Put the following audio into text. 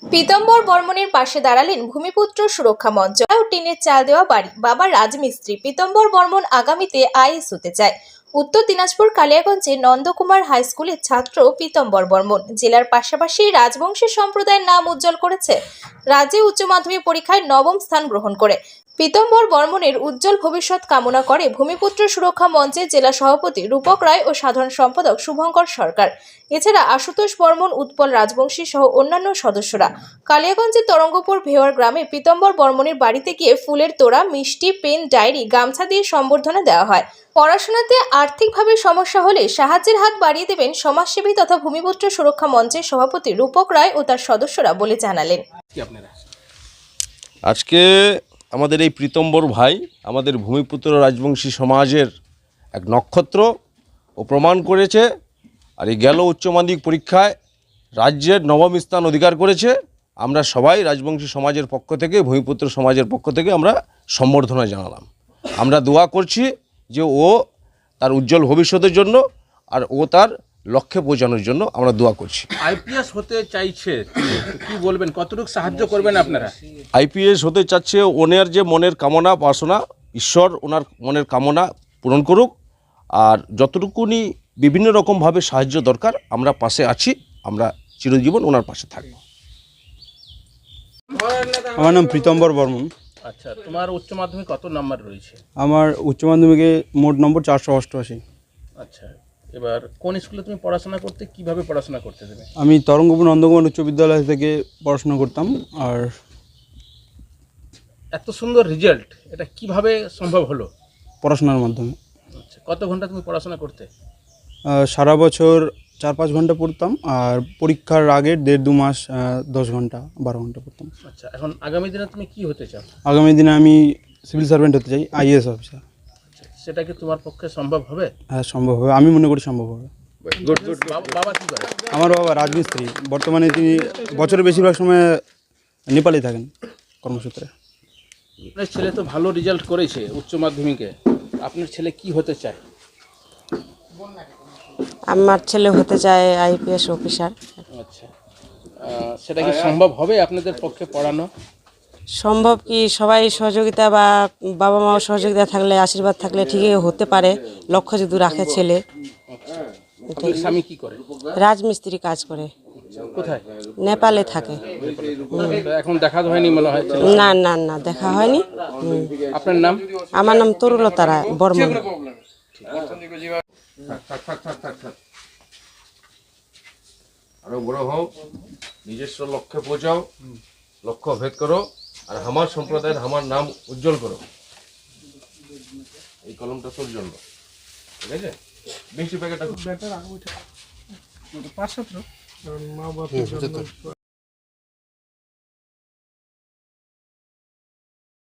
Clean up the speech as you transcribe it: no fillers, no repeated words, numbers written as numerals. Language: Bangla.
পীতম্বর বর্মণের পাশে দাঁড়ালেন ভূমিপুত্র সুরক্ষা মঞ্চ ও টিনের চাল দেওয়া বাড়ি বাবা রাজমিস্ত্রি। পীতম্বর বর্মণ আগামীতে আইএএস হতে চায়। উত্তর দিনাজপুর কালিয়াগঞ্জের নন্দকুমার হাই স্কুলের ছাত্র পীতম্বর বর্মণ জেলার পাশাপাশি রাজবংশী সম্প্রদায়ের নাম উজ্জ্বল করেছে। রাজ্যে উচ্চ মাধ্যমিক পরীক্ষায় নবম স্থান গ্রহণ করে পীতম্বর বর্মণের উজ্জ্বল ভবিষ্যৎ কামনা করে ভূমিপুত্র সুরক্ষা মঞ্চের জেলা সভাপতি রূপক রায় ও সাধারণ সম্পাদক শুভঙ্কর সরকার। এছাড়া আশুতোষ বর্মণ, উৎপল রাজবংশী সহ অন্যান্য সদস্যরা কালিয়াগঞ্জের তরঙ্গপুর ভেওয়ার গ্রামে পীতম্বর বর্মণের বাড়িতে গিয়ে ফুলের তোড়া, মিষ্টি, পেন, ডায়েরি, গামছা দিয়ে সম্বর্ধনা দেওয়া হয়। পড়াশোনাতে আর্থিকভাবে সমস্যা হলে সাহায্যের হাত বাড়িয়ে দেবেন সমাজসেবী তথা ভূমিপুত্র সুরক্ষা মঞ্চের সভাপতি রূপক রায় ও তার সদস্যরা বলে জানালেন। আজকে আমাদের এই পীতম্বর ভাই আমাদের ভূমিপুত্র রাজবংশী সমাজের এক নক্ষত্র ও প্রমাণ করেছে। আর এই গেল উচ্চ মাধ্যমিক পরীক্ষায় রাজ্যের নবম স্থান অধিকার করেছে। আমরা সবাই রাজবংশী সমাজের পক্ষ থেকে, ভূমিপুত্র সমাজের পক্ষ থেকে আমরা সম্বর্ধনা জানালাম। আমরা দোয়া করছি যে ও তার উজ্জ্বল ভবিষ্যতের জন্য আর ও তার লক্ষ্যে পৌঁছানোর জন্য আমরা দোয়া করছি। আইপিএস হতে চাইছে, কি বলবেন, কতটুকু সাহায্য করবেন আপনারা? আইপিএস হতে চাচ্ছে, ওনার যে মনের কামনা বাসনা, ঈশ্বর ওনার মনের কামনা পূরণ করুক। আর যতটুকুনি বিভিন্ন রকমভাবে সাহায্য দরকার আমরা পাশে আছি, আমরা চিরজীবন ওনার পাশে থাকব। আমার নাম পীতম্বর বর্মণ। আচ্ছা, তোমার উচ্চ মাধ্যমিক কত নাম্বার রয়েছে? আমার উচ্চ মাধ্যমিকে মোট নম্বর 488। আচ্ছা, এবার কোন স্কুলে তুমি পড়াশোনা করতে, কিভাবে পড়াশোনা করতে দেবে? আমি তরঙ্গপুর নন্দকুমার উচ্চ বিদ্যালয় থেকে পড়াশোনা করতাম। আর এত সুন্দর রেজাল্ট, এটা কিভাবে সম্ভব হলো? পড়াশোনার মাধ্যমে। আচ্ছা, কত ঘন্টা তুমি পড়াশোনা করতে? সারা বছর 4-5 ঘন্টা পড়তাম, আর পরীক্ষার আগে 1.5-2 মাস 10 ঘন্টা 12 ঘন্টা পড়তাম। আচ্ছা, এখন আগামী দিনে তুমি কি হতে চাও? আগামী দিনে আমি সিভিল সার্ভেন্ট হতে চাই, আইএএস অফিসার। সেটা কি তোমার পক্ষে সম্ভব হবে? হ্যাঁ, সম্ভব হবে, আমি মনে করি সম্ভব হবে। বাবা কি করে? আমার বাবা রাজমিস্ত্রি। বর্তমানে তিনি বছরের বেশিরভাগ সময় নেপালে থাকেন কর্মসূত্রে। আপনার ছেলে তো ভালো রেজাল্ট করেছে উচ্চ মাধ্যমিকে, আপনার ছেলে কি হতে চায়? আমার ছেলে হতে চায় আইপিএস অফিসার। আচ্ছা, সেটা কি সম্ভব হবে আপনাদের পক্ষে পড়ানো? সম্ভব কি, সবাই সহযোগিতা বা বাবা মাও সহযোগিতা থাকলে, আশীর্বাদ থাকলে ঠিকই হতে পারে, লক্ষ্য যদি রাখে ছেলে। আপনার স্বামী কি করে? রাজমিস্ত্রি কাজ করে। কোথায়? নেপালে থাকে। তো এখন দেখা হয়নি মনে হয়? না না না, দেখা হয়নি। আপনার নাম? আমার নাম তরুলতা রায় বর্মণ। আরো বড় হও, নিজস্ব লক্ষ্যে পৌঁছাও, লক্ষ্য ভেদ করো, আর আমার সম্প্রদায়ের আমার নাম উজ্জ্বল করো। এই কলমটা তোর জন্য, ঠিক আছে? মিষ্টি প্যাকেটটা